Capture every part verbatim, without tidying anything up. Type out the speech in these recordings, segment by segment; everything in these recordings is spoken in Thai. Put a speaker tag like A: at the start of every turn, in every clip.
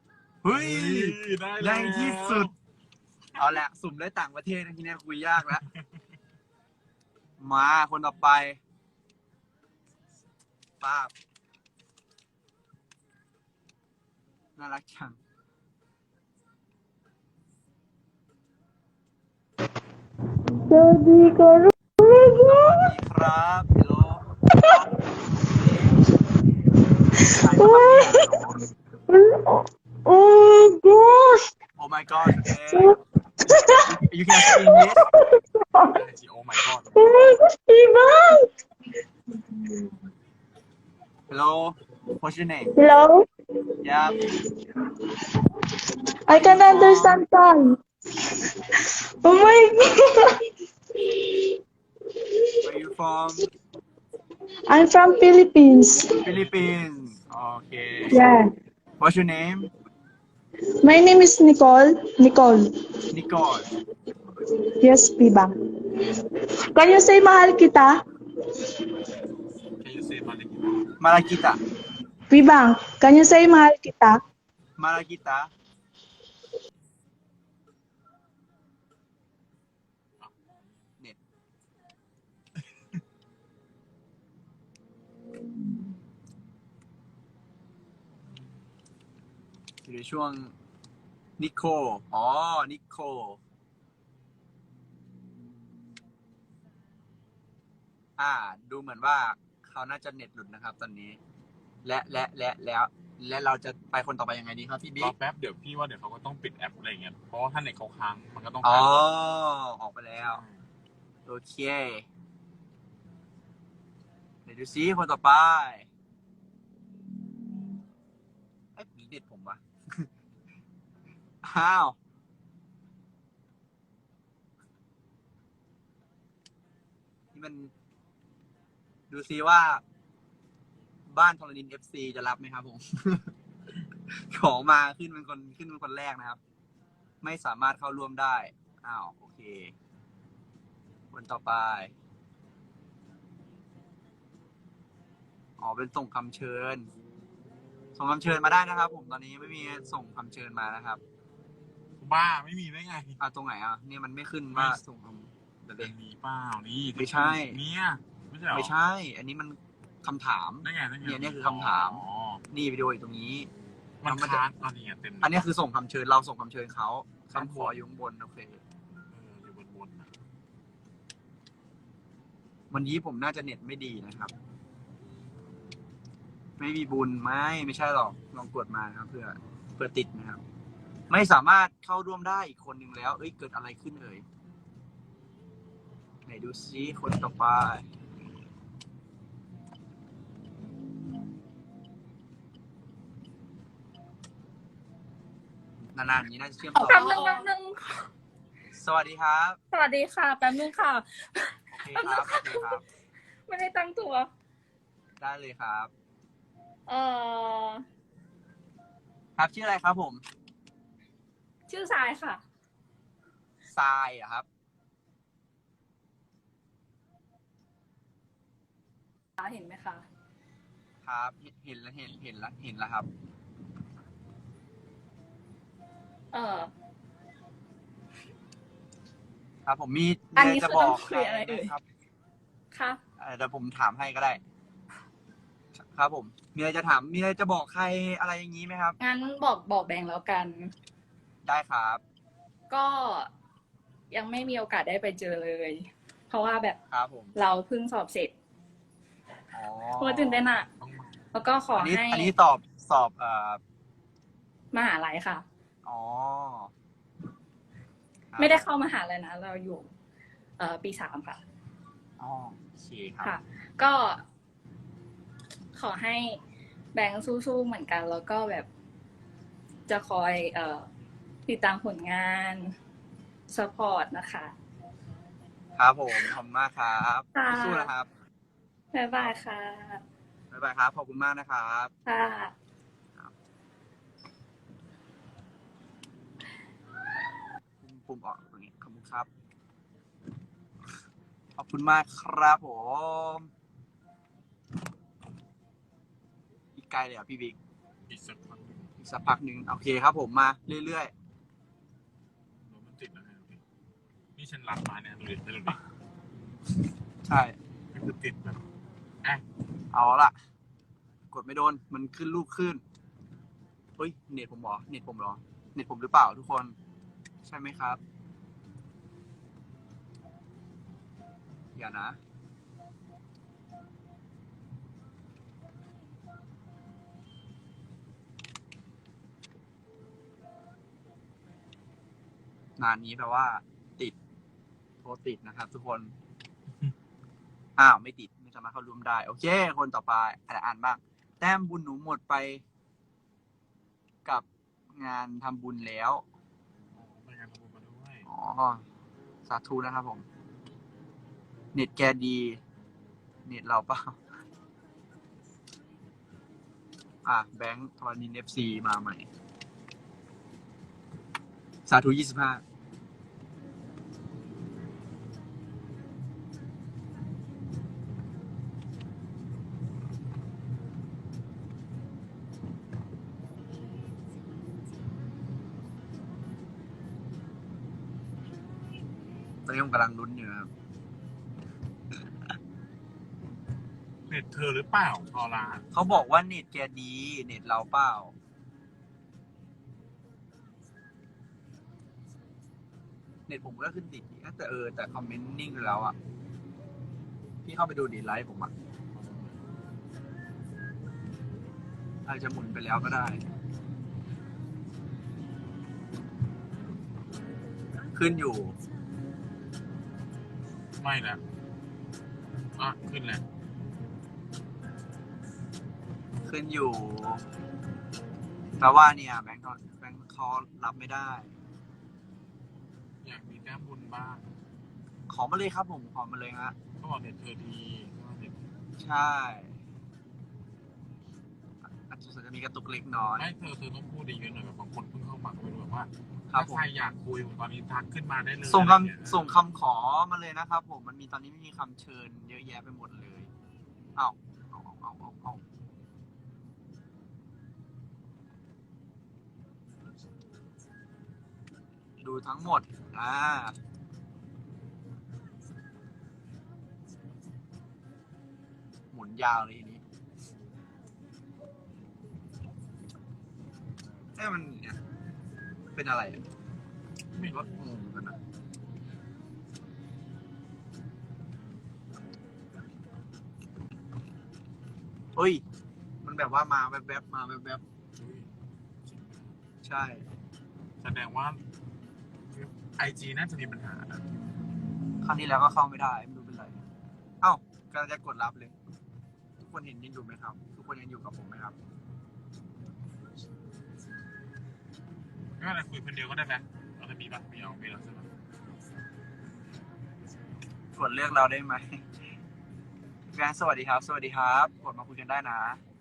A: อเฮ้ย
B: ได้
A: ในที่สุด เอาแหละ สุ่มได้ต่างประเทศนะทีนี้คุยยากแล้ว มาคนต่อไปป้าบน่ารักจัง
C: สวัสดีครับ
A: สวัสดีครับฮัลโหลใครมาทำเนี่ย
C: Oh gosh.
A: Oh my god okay you can speak English
B: โอ้ my god
C: Oh my gosh, Ivan.
A: hello what's your name
C: Hello.
A: yeah
C: I can understand Thai. Oh my god.
A: where you from
C: I'm from Philippines.
A: Philippines okay
C: Yeah.
A: what's your name
C: My name is Nicole. Nicole.
A: Nicole
C: Yes, Bibang. Can you say mahal kita?
B: can you say มาเลย
A: Malakita
C: Bibang, can you say mahal kita?
A: Malakita เน็ตอยู่ในช่วงนิโคอ๋อนิโคอ่า ดูเหมือนว่าเขาน่าจะเน็ตหลุดนะครับตอนนี้ และและและแล้ว และเราจะไปคนต่อไปยังไงดีครับพี่
B: ร
A: บิ๊
B: อก แป๊บเดี๋ยวพี่ว่าเดี๋ยวเขาก็ต้องปิดแอปอะไรเงี้ยเพราะว่าถ้าเน็ตเขาค้างมันก็ต้อง
A: อ๋อ
B: ค้าง
A: ออกไปแล้ว โอเค เดี๋ยวดูซิคนต่อไปไอ้ผีเด็ดผมวะ อ้าว นี่มัน ดูซิว่า บ้านทรณิน เอฟ ซี จะรับไหมครับผม ขอมาขึ้นเป็นคนขึ้นเป็นคนแรกนะครับ ไม่สามารถเข้าร่วมได้ อ้าว โอเค คนต่อไป อ๋อ เป็นส่งคำเชิญ ส่งคำเชิญมาได้นะครับ ผมตอนนี้ไม่มีส่งคำเชิญมานะครับ
B: บ้าไม่มีได้ไง
A: อ่ะตรงไหนอ่ะเนี่ยมันไม่ขึ้นว่าส่งคำเดี๋ยว
B: เป็
A: เด็
B: น
A: ก
B: มีเปล่านี่
A: ไม่ใช่
B: เนี่ยไม่ใช่หรอ
A: ไม่ใช่ อันนี้มันคำถาม
B: ได้ไงได้ไง
A: เนี่ยเนี่ยคือคำถาม
B: อ๋อ
A: นี่วิดีโออยู่ตรงนี้
B: มันค้างตอนนี้เต็ม
A: อันนี้คือส่งคำเชิญเราส่งคำเชิญเขาคำขออยู่ข้างบนโอเค
B: เอออยู่บนๆนะ
A: วันนี้ผมน่าจะเน็ตไม่ดีนะครับ ไม่มีบุญไม่ไม่ใช่หรอกลองกดมานะครับ เพื่อเพื่อติดนะครับ ไม่สามารถเข้าร่วมได้อีกคนหนึ่งแล้ว เอ้ยเกิดอะไรขึ้นเอ่ยไหนดูซิคนต่อไปนานๆอย่างนี้น่าจะเชื่อมต่อ
D: แป๊บนึงแป๊บนึง
A: สวัสดีครับ
D: สวัสดีค่ะ แป๊บนึงค่ะ
A: โอเคครับโอเคครับ
D: ไม่ได้ตั้งตัว
A: ได้เลยครับ
D: เออ
A: ครับชื่ออะไรครับผม
D: ชื่อทรายค่ะ
A: ทรายเหรอะครับ
D: เห็นไหมคะ
A: ครับ เห็นแล้วเห็นเห็นแล้วเห็นแล้วครับ
D: เออ
A: ครับผมมี
D: อัน
A: มี
D: นี้
A: อะไรจะ
D: คือ
A: บอก
D: ต้องคุยอะไร
A: ใคหม
D: เอ่ย
A: ครับ
D: ค่ะ
A: เอ่อเดี๋ยวผมถามให้ก็ได้ ครับผม มีอะไรจะถาม มีอะไรจะบอกใครอะไรอย่างนี้ไหมครับ
D: งั้นบอกบอกแบงค์แล้วกัน
A: ได้ครับ
D: ก็ยังไม่มีโอกาสได้ไปเจอเลย เพราะว่าแบบ
A: ครับผม
D: เราเพิ่งสอบเสร็จ
A: อ๋อ
D: โคตรตื่นเต้นอะ
B: ต้องมา
D: แล้วก็ขอ
A: อันนี้
D: ให้
A: อันนี้สอบสอบเอ่อ
D: มหาลัยค่ะ
A: อ๋อครับ
D: ไม่ได้เข้ามหาลัยนะ เราอยู่ เอ่อปีสามค่ะ
A: อ๋อโอเคครับ
D: ค่ะ ก็ขอให้แบงค์สู้ๆเหมือนกัน แล้วก็แบบจะคอยเอ่อติดตามผลงานสปอร์ตนะคะ
A: ครับผม ขอบคุณมากครับ
D: ค่ะ
A: สู้ๆนะครับ
D: บ๊ายบายค่ะ
A: บ๊ายบายครับ ขอบคุณมากนะครับ
D: ค่ะ
A: ปุ่มออกตรงนี้ขอบคุณครับ ขอบคุณมากครับผมอีกไกลเลยเหรอ่ะพี่บิ๊ก
B: อีกสักพักหนึ่ง
A: อีกสักพักหนึ่งโอเคครับผมมาเรื่อย
B: รถมันติดนะพี่นี่ฉันรับมาเนี่ยดูดิดูดิ
A: ๆ ใช่
B: มันคือติดแบบอ่ะ
A: เอาละกดไม่โดนมันขึ้นรูปขึ้นเฮ้ยเน็ตผมเหรอเน็ตผมเหรอเน็ตผมหรือเปล่าทุกคนใช่ไหมครับอย่านะนานนี้แปลว่าติดโทรติดนะครับทุกคนอ้าวไม่ติดไม่สามารถเข้าร่วมได้โอเคคนต่อไปอ่านอ่านบ้างแต้มบุญหนูหมดไปกับงานทำบุญแล้ว
B: ไปงานทำบุญมาด้วย
A: อ๋อ สาธุนะครับผม เน็ตแกดี เน็ตเราเปล่า อ่ะ แบงค์ธรณีเอฟซีมาใหม่ สาธุยี่สิบห้าตอนนี้ผมกำลังลุ้นอยู่ครับ
B: เน็ตเธอหรือเปล่าพอละ
A: เขาบอกว่าเน็ตแกดี เน็ตเราเปล่า เน็ตผมก็ขึ้นติดอีกนะแต่เออ แต่คอมเมนต์นิ่งไปแล้วอ่ะ พี่เข้าไปดูดีไลฟ์ผมอ่ะอาจจะหมุนไปแล้วก็ได้ ขึ้นอยู่
B: ไม่นะอ่ะขึ้นแล้ว
A: ขึ้นอยู่แต่ว่าเนี่ยแบงค์เขาแบงค์เขารับไม่ได้
B: อยากมีแต้มบุญบ้าง
A: ขอมาเลยครับผมขอมาเลยฮะ
B: เขาบอกเน็ตเธอดีเขาบอกเน็ต
A: ใช่อาจจะมีกระตุกเล็กน้อย
B: ไม่เธอเธอต้องพูดดีเยอะหน่อยแบบบางคนเพิ่งเข้ามาก็ไม่รู้แบบว่า
A: ครั
B: ถ้า
A: บผม
B: ใครอยากคุยตอนนี้ทักขึ้นมาได้เลย
A: ส่ง
B: อะไรเงี้ย
A: คำส่งคำขอมาเลยนะครับผมมันมีตอนนี้ไม่มีคำเชิญเยอะแยะไปหมดเลยเอ้าเอาเอาเอาเอาเอาดูทั้งหมดอ่าหมุนยาวเลยทีนี้เอ้ยมันเนี่ยเป็นอะไรอะ
B: ไม่
A: รถงงกันนะเฮ้ย มันแบบว่ามาแวบๆมาแวบ
B: อุ๊ย
A: ๆใช่
B: แสดงว่าไอจีน่าจะมีปัญหานะ
A: ครั้งที่แล้วก็เข้าไม่ได้ไม่รู้เป็นไร เอ้ากำลังจะกดรับเลย ทุกคนเห็นยังอยู่ไหมครับ ทุกคนยังอยู่กับผมไหมครับ
B: ไม่เป็นไรคุยคนเดียวก็ได้ไหมเราจะมีปะไม่เอาไม่เอาใช่ไหม
A: กดเลือกเราได้ไหมแฟนสวัสดีครับ สวัสดีครับ กดมาคุยกันได้นะ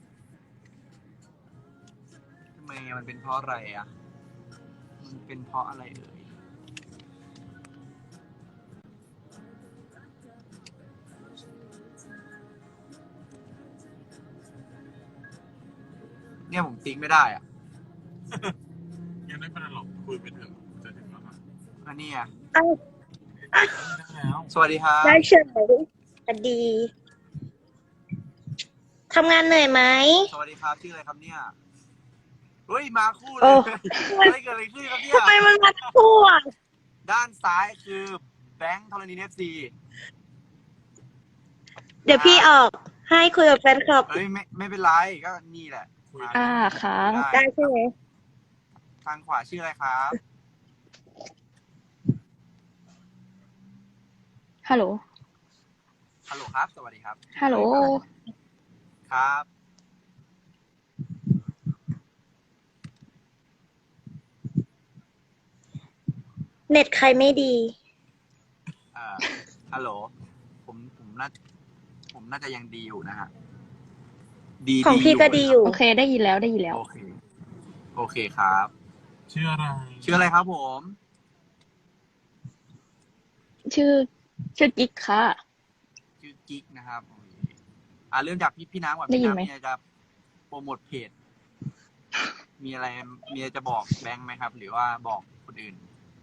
A: ทำไมมันเป็นเพราะอะไรอ่ะ มันเป็นเพราะอะไรเอ่ย เนี่ยผมติ๊กไม่ได้อ่ะ
B: ยังไม่เป็นไรหรอกคุยไปเถอะจะถึงแล้วนะ
A: อันนี้อ่ะ
C: อ้าว
B: ได้แล้ว
A: สวัสดีครับ
C: ได้เฉยสวัสดีทำงานเหนื่อยไหม
A: สวัสดีครับชื่ออะไรครับเนี่ย เฮ้ยมาคู่เล
C: โอ้
A: ยเฮ้ยเกิดอะไรขึ้นครับเนี่ย
C: ทำไมมันมาทั่ว
A: ด้านซ้ายคือแบงค์ธรณีเอฟซี
C: เดี๋ยวพี่ออก ให้คุยกับแฟนคลับ
A: เฮ้ยไม่ไม่เป็นไรก็นี่แหละ
B: คุย
C: อ่าค่ะ
A: ได้
C: ได้ใช่ไหม
A: ทางขวาชื่ออะไรครับ
E: ฮัลโหล
A: ฮัลโหลครับ สวัสดีครับ
E: ฮัลโหล
A: ครับ
C: เน็ตใครไม่ดี
A: เอ่อฮัลโหลผมผมน่าผมน่าจะยังดีอยู่นะฮะดี
C: ของพี่ก็ดีอยู่
E: โอเคได้ยินแล้วได้ยินแล้ว
A: โอเคโอเคครับ
B: ชื่ออะไร
A: ชื่ออะไรครับผม
E: ชื่อชื่อกิ๊กค่ะ
A: ชื่อกิ๊กนะครับโอเคอ่าเริ่มจากพี่พี่น้ำก่อน
E: ได้
A: พี่
E: ยินไหม
A: น้ำเนี่ยจะโปรโมทเพจมีอะไรมีอะไรจะบอกแบงค์ไหมครับ หรือว่าบอกคนอื่น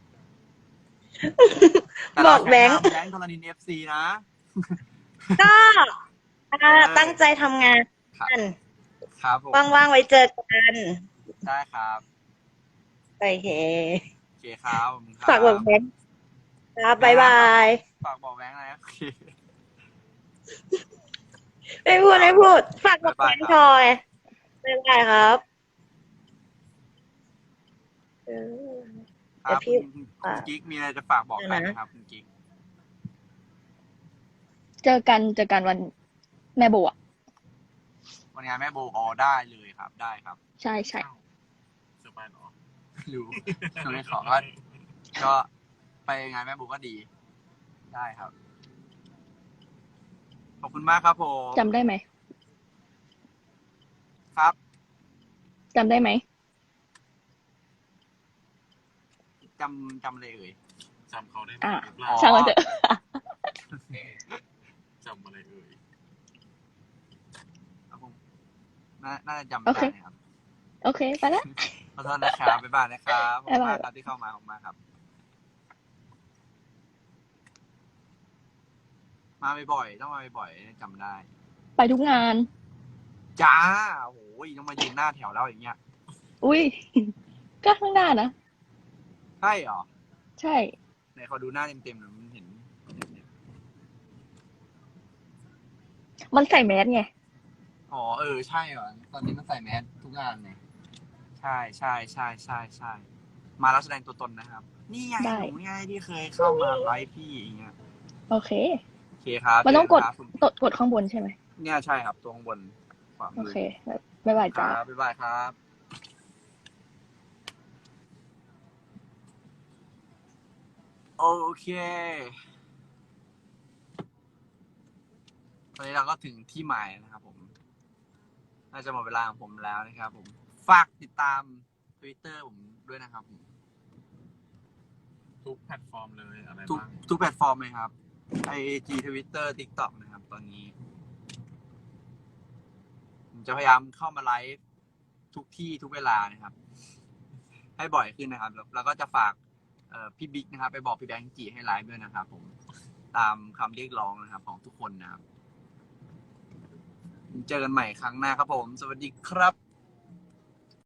C: บอกแบงค์
A: แบงค์ธรณีเอฟซีนะ
C: ก็อ่าตั้งใจทำงาน
A: ครับผม
C: ว่างๆไว้เจอกัน
A: ได้ครับ
C: โอเค
A: โอเคครับผมครับ
C: ฝากบอกแบงค์ครับบ๊ายบาย
A: ฝากบอกแบงค์อะไรนะโอเค
C: ไม่พูดไม่พูด ฝากบอกแบงค์ทอยบ๊ายบายครับเออ
A: ครับ
C: เดี๋ยวพี่
A: คุณคุณกิ๊กมีอะไรจะฝากบอกใครไหมครับคุณกิ๊ก
E: เจอกันเจอกันวันแม่โบอ่ะ
A: วันงานแม่โบอ๋อได้เลยครับ ได้ครับ
E: ใช่ใช่
B: เซอร์ไพรส์เหรอ
A: รู้ไม่ขอก็ก็ไปงานแม่โบก็ดี ได้ครับ ขอบคุณมากครับผม
E: จำได้ไหม
A: ครับ
E: จำได้ไหม
A: จำจำเลยเอ่ย
B: จำเขาได้ไหม
E: อ่ะ
B: หรือเปล่า
A: อ๋อ
E: ช่างมันเถอะ
B: จำอะไรเอ่ย
A: ครับผมน่าน่าจะจำ
E: โอ
A: ได้
E: เค
A: นะครับ
E: โอเค ไปแล้ว
A: ขอโทษนะครับ บ๊ายบายนะครับขอบคุณมาก
E: บ๊ายบาย
A: ครับที่เข้ามาขอบคุณมากครับ มาบ่อยๆต้องมาบ่อยๆจำได้
E: ไปทุกงาน
A: จ้าโอ้โหต้องมายืนหน้าแถวแล้วอย่างเงี้ย
E: อุ้ย ก็ข้างหน้านะ
A: ใช่เหรอ
E: ใช่
A: ไหนขอดูหน้าเต็มๆหน่อยมันเห็น
E: มันใส่แมสไง
A: อ๋อเออใช่เหรอตอนนี้มันใส่แมสทุกงานเลยใช่ใช่ใช่ใช่ใช่มาแล้วแสดงตัวตนนะครับ นี่ไง
E: ได้
A: หนูไงที่เคยเข้ามาไลฟ์พี่อย่างเงี้ย
E: โอเค
A: โอเคครับ
E: มันต้องกด
A: เจกันครับคุณ
E: กดกดข้างบนใช่ไหม
A: เนี่ยใช่ครับตัวข้างบนขวา
E: โอ
A: มือ
E: เค บ๊ายบาย
A: ค
E: จ้า
A: รับบ๊ายบายครับ โอเค ตอนนี้เราก็ถึงที่หมายนะครับผม น่าจะหมดเวลาของผมแล้วนะครับผม ฝากติดตาม Twitter ผมด้วยนะครับผม
B: ทุกแพลตฟอร์มเลยอะไร
A: ทุก
B: บ้าง
A: ทุกแพลตฟอร์มเลยครับ ไอจี Twitter TikTok นะครับ ตอนนี้ ผมจะพยายามเข้ามาไลฟ์ทุกที่ทุกเวลานะครับ ให้บ่อยขึ้นนะครับ แล้วแล้วก็จะฝากเอ่อพี่บิ๊กนะครับ ไปบอกพี่แบงค์จีให้ไลฟ์ด้วยนะครับ ผม ตามคำเรียกร้องนะครับ ของทุกคนนะครับ เจอกันใหม่ครั้งหน้าครับผม สวัสดีครับ